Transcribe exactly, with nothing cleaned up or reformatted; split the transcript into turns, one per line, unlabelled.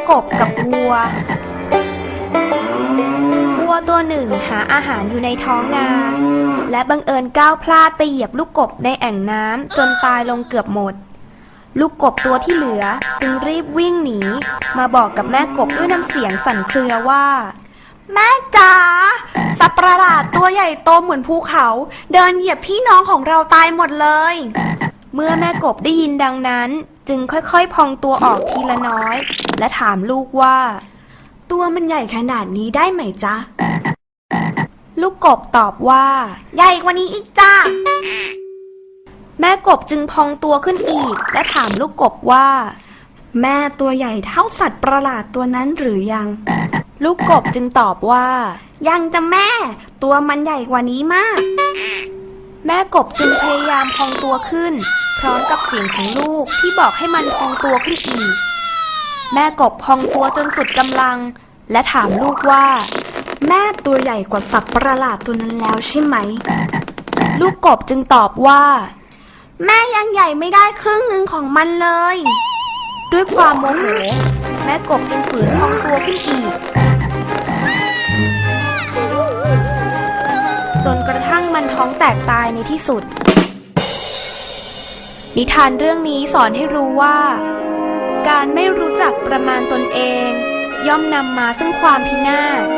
กบกับวัววัวตัวหนึ่งหาอาหารอยู่ในท้องนาและบังเอิญก้าวพลาดไปเหยียบลูกกบในแอ่งน้ำจนตายลงเกือบหมดลูกกบตัวที่เหลือจึงรีบวิ่งหนีมาบอกกับแม่กบด้วยน้ำเสียงสั่นเครือว่า
แม่จ๋าสัตว์ประหลาดตัวใหญ่โตเหมือนภูเขาเดินเหยียบพี่น้องของเราตายหมดเลย
เมื่อแม่กบได้ยินดังนั้นจึงค่อยๆพองตัวออกทีละน้อยและถามลูกว่า
ตัวมันใหญ่ขนาดนี้ได้ไหมจ๊ะ
ลูกกบตอบว่า
ใหญ่กว่านี้อีกจ้า
แม่กบจึงพองตัวขึ้นอีกและถามลูกกบว่า
แม่ตัวใหญ่เท่าสัตว์ประหลาดตัวนั้นหรือยัง
ลูกกบจึงตอบว่า
ยังจะแม่ตัวมันใหญ่กว่านี้มาก
แม่กบจึงพยายามพองตัวขึ้นพร้อมกับเสียงของลูกที่บอกให้มันพองตัวขึ้นอีกแม่กบพองตัวจนสุดกำลังและถามลูกว่า
แม่ตัวใหญ่กว่าสัตว์ประหลาดตัวนั้นแล้วใช่ไหม
ลูกกบจึงตอบว่า
แม่ยังใหญ่ไม่ได้ครึ่งหนึ่งของมันเลย
ด้วยความโมโหแม่กบจึงฝืนพองตัวขึ้นอีกจนกระทั่งมันท้องแตกตายในที่สุดนิทานเรื่องนี้สอนให้รู้ว่าการไม่รู้จักประมาณตนเองย่อมนำมาซึ่งความพินาศ